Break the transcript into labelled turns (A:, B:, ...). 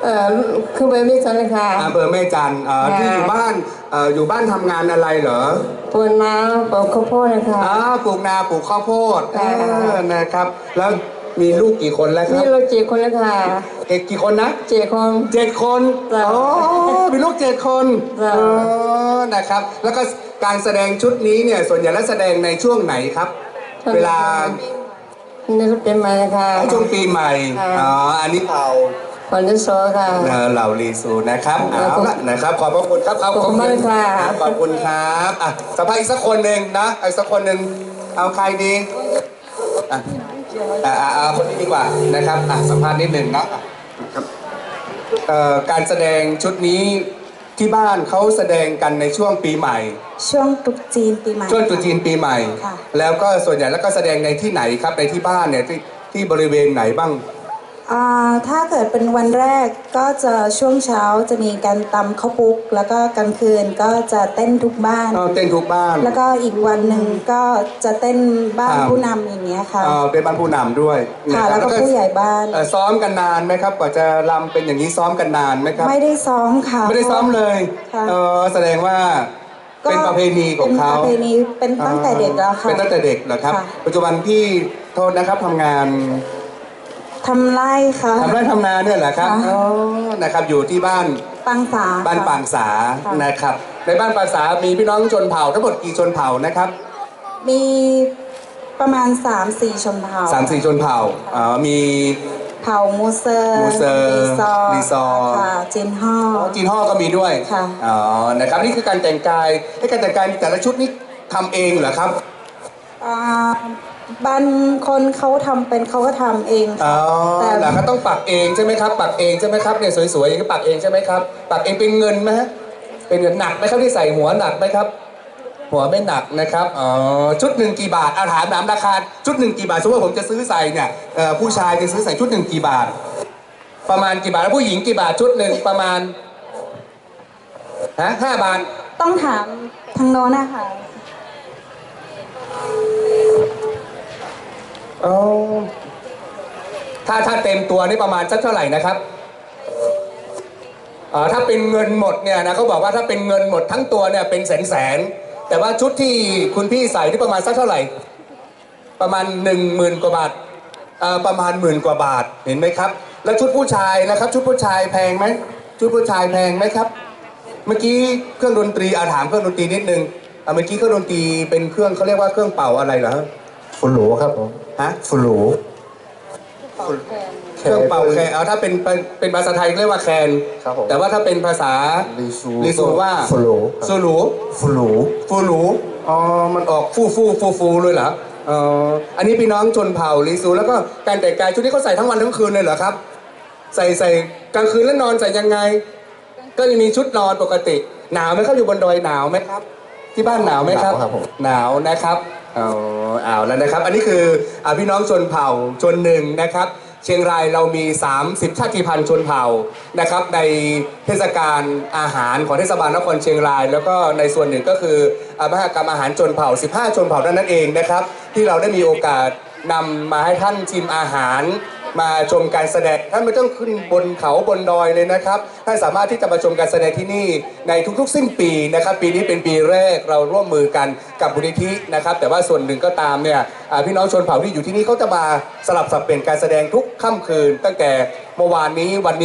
A: คือเบอร์แม่จันเลยค่ะ
B: อำเภอแม่จันที่อยู่บ้านอยู่บ้านทำงานอะไรเหรอ
A: ปลูกนาปลูกข้าวโพดนะคะ
B: ปลูกนาปลูกข้าวโพดนะครับแล้วมีลูกกี่คนแล้วครับ
A: มีลูก7 คนแล้วค่ะ
B: กี่คนนะ
A: 7 คน
B: 7 คนมีลูก7 คนนะครับแล้วก็การแสดงชุดนี้เนี่ยส่วนใหญ่แล้วแสดงในช่วงไหนครับเวลา
A: ในรุ่นปีใหม่นะคะ
B: ช่วงปีใหม่อันนี้เผา
A: วันที่สองค่ะ
B: เหล่าลีซูนะครับเอาละนะครับขอบพระคุณครับขอบคุณ
A: มากค่ะ
B: ขอบคุณครับสัมภาษณ์อีกสักคนหนึ่งนะอีกสักคนหนึ่งเอาใครดีเอาคนนี้ดีกว่านะครับสัมภาษณ์นิดหนึ่งนะครับการแสดงชุดนี้ที่บ้านเขาแสดงกันในช่วงปีใหม่
C: ช่วงตรุษจีนปีใหม่
B: ช่วงตรุษจีนปีใหม่แล้วก็ส่วนใหญ่แล้วก็แสดงในที่ไหนครับในที่บ้านเนี่ยที่บริเวณไหนบ้าง
C: ถ้าเกิดเป็นวันแรกก็จะช่วงเช้าจะมีการตำข้าวปุ๊กแล้วก็กลางคืนก็จะเต้นทุกบ้าน
B: เต้นทุกบ้าน
C: แล้วก็อีกวันหนึ่งก็จะเต้นบ้านผู้นำอย่างเงี้ยค่ะ
B: เป็นบ้านผู้นำด้วย
C: ค่ะแล้วก็ผู้ใหญ่บ้าน
B: ซ้อมกันนานไหมครับกว่าจะรำเป็นอย่างนี้ซ้อมกันนานไหมครับ
C: ไม่ได้ซ้อมค่ะ
B: ไม่ได้ซ้อมเลยแสดงว่าเป็นประเพณีของเขา
C: เป็นประเพณีเป็นตั้งแต่เด็กแล้วค่ะ
B: เป็นตั้งแต่เด็กเหรอครับปัจจุบันพี่โทษนะครับทำงาน
C: ทำไร่ค่ะ
B: ทำไร่ทำนาเนี่ยเหรอครับนะครับอยู่ที่บ้าน
C: ปางสา
B: บ้านปางสานะครับในบ้านปางสามีพี่น้องชนเผ่าทั้งหมดกี่ชนเผ่านะครับ
C: มีประมาณ 3-4 ชนเผ่า
B: 3-4 ชนเผ่ามี
C: เผ่ามูเซอร์
B: ลีซอ
C: ค่ะจีนฮ่อ
B: ก็มีด้วย
C: ค่ะ
B: นะครับนี่คือการแต่งกายการแต่งกายแต่ละชุดนี้ทำเองเหรอครับ
C: บางคนเขาทำเป็นเขาก็ทำเอง
B: แต่เขาต้องปักเองใช่ไหมครับปักเองใช่ไหมครับเนี่ยสวยๆอย่างนี้ปักเองใช่ไหมครับปักเองเป็นเงินไหมฮะเป็นเงินหนักไหมครับที่ใส่หัวหนักไหมครับหัวไม่หนักนะครับชุดหนึ่งกี่บาทถามราคาชุดหนึ่งกี่บาทสมมติว่าผมจะซื้อใส่เนี่ยผู้ชายจะซื้อใส่ชุดหนึ่งกี่บาทประมาณกี่บาทแล้วผู้หญิงกี่บาทชุดหนึ่งประมาณ5 บาท
C: ต้องถามทางโน้นนะคะ
B: ถ้าเต็มตัวนี่ประมาณสักเท่าไหร่นะครับถ้าเป็นเงินหมดเนี่ยนะเขาบอกว่าถ้าเป็นเงินหมดทั้งตัวเนี่ยเป็นแสนแต่ว่าชุดที่คุณพี่ใส่ที่ประมาณสักเท่าไหร่ประมาณ10,000 กว่าบาทประมาณ10,000 กว่าบาทเห็นไหมครับแล้วชุดผู้ชายนะครับชุดผู้ชายแพงไหมชุดผู้ชายแพงไหมครับเมื่อกี้เครื่องดนตรีถามเครื่องดนตรีนิดนึงเมื่อกี้เครื่องดนตรีเป็นเครื่องเขาเรียกว่าเครื่องเป่าอะไรเหรอ
D: ฟูลูครับผมฟูลู
B: เครื่องเป่าแคนถ้าเป็นภาษาไทยเรียกว่าแคนแต่ว่าถ้าเป็นภาษาลีซูว่าฟูลูมันออกฟูเลยเหรออันนี้พี่น้องชนเผ่าลีซูแล้วก็การแต่งกายชุดนี้เขาใส่ทั้งวันทั้งคืนเลยเหรอครับใส่กลางคืนแล้วนอนใส่ยังไงก็จะมีชุดนอนปกติหนาวไหมครับอยู่บนดอยหนาวไหมครับที่บ้านหนาวไหมครับหนาวนะครับเอาแล้วนะครับอันนี้คือพี่น้องชนเผ่าชนหนึ่งนะครับเชียงรายเรามี30 ชาติพันธุ์ชนเผ่านะครับในเทศกาลอาหารของเทศบาลนครเชียงรายแล้วก็ในส่วนหนึ่งก็คือมหกรรมอาหารชนเผ่า15 ชนเผ่านั่นเองนะครับที่เราได้มีโอกาสนำมาให้ท่านชิมอาหารมาชมการแสดงท่านไม่ต้องขึ้นบนเขาบนดอยเลยนะครับท่านสามารถที่จะมาชมการแสดงที่นี่ในทุกๆสิ้นปีนะครับปีนี้เป็นปีแรกเราร่วมมือกันกับมูลนิธินะครับแต่ว่าส่วนหนึ่งก็ตามเนี่ยพี่น้องชนเผ่าที่อยู่ที่นี่เขาจะมาสลับสับเปลี่ยนการแสดงทุกค่ำคืนตั้งแต่เมื่อวานนี้วันนี้